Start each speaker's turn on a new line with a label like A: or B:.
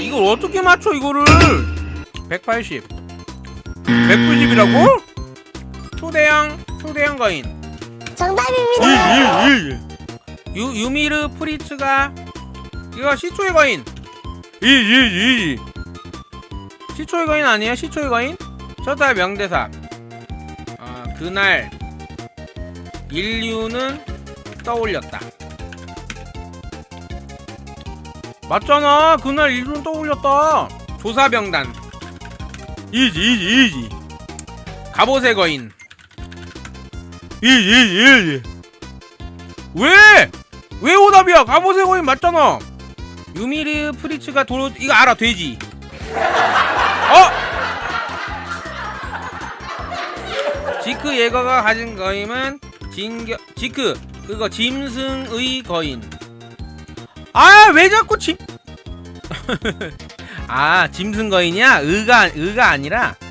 A: 이걸 어떻게 맞춰 이거를. 180 190이라고? 초대형 거인.
B: 정답입니다.
A: 유미르 프리츠가 이거 시초의 거인. 시초의 거인 아니에요? 시초의 거인? 저다 명대사. 그날 인류는 떠올렸다. 맞잖아. 그날 인류는 떠올렸다. 조사병단. 이지. 갑옷의 거인. 왜 오답이야? 갑옷의 거인 맞잖아. 유미르 프리츠가 이거 알아. 돼지. 지크 예거가 가진 거임은 지크 그거 짐승의 거인. 왜 자꾸 짐승 거인이야? 의가 아니라